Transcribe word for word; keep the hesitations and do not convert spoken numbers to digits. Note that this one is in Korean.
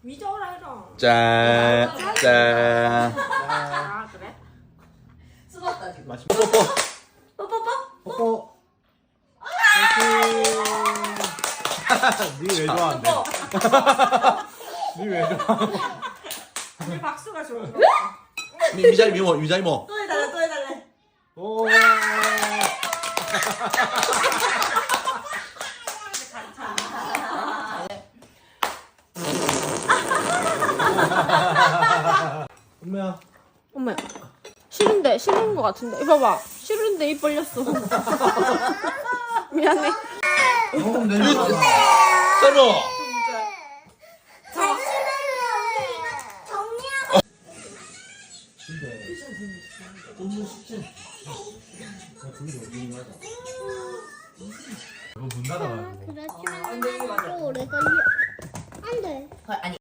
미저라 해라. 짠. 짠. 아 그래? 수고했다 지금. 맛있. 뽀뽀뽀. 뽀뽀. 니왜 좋아하는데? 니왜 좋아하는데? 우리 박수가 좋은 거. 미 미자리 미모 미자리 모. 또 해달래 또 해달래. 오. 엄마야. 엄마 싫은데 싫은 거 같은데. 이거 봐봐. 싫은데 입 벌렸어. 미안해. 어, 내 서로. 이거 문 닫아가지고. 그렇지만 또 오래 걸려. 안 돼. 아니.